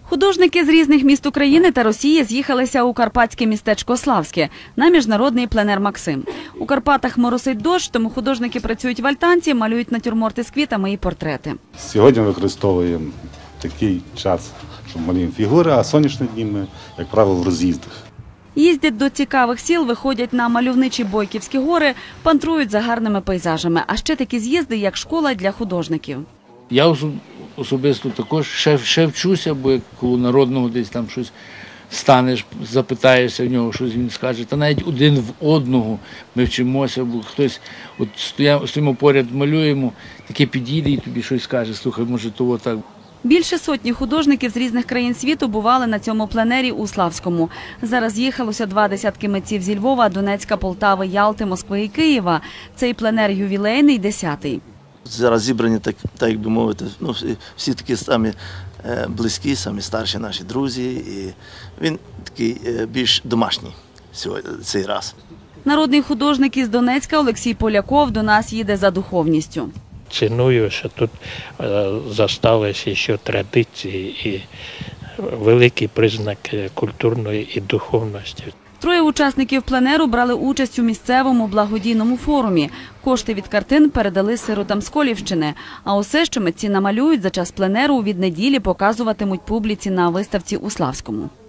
Художники з різних міст України та Росії з'їхалися у карпатське містечко Славське на міжнародний пленер «Максим». У Карпатах моросить дощ, тому художники працюють в альтанці, малюють натюрморти з квітами і портрети. Сьогодні використовуємо такий час, що малюємо фігури, а сонячні дні ми, як правило, в роз'їздах. Їздять до цікавих сіл, виходять на мальовничі Бойківські гори, пантрують за гарними пейзажами. А ще такі з'їзди, як школа для художників. Я особисто також ще вчуся, бо як коло народного десь там щось станеш, запитаєшся в нього, щось він скаже. Та навіть один в одного ми вчимося, бо хтось, от стоїмо поряд, малюємо, таке підійде і тобі щось скаже, слухай, може того так. Більше сотні художників з різних країн світу бували на цьому пленері у Славському. Зараз їхалося 20 митців зі Львова, Донецька, Полтави, Ялти, Москви і Києва. Цей пленер ювілейний, 10-й. Зараз зібрані, так як би мовити, всі такі самі близькі, самі старші наші друзі. І він такий більш домашній цей раз. Народний художник із Донецька Олексій Поляков до нас їде за духовністю. Ціную, що тут залишилися ще традиції і великий признак культурної і духовності. 3 учасників пленеру брали участь у місцевому благодійному форумі. Кошти від картин передали сиротам з Колівщини. А усе, що митці намалюють за час пленеру, від неділі показуватимуть публіці на виставці у Славському.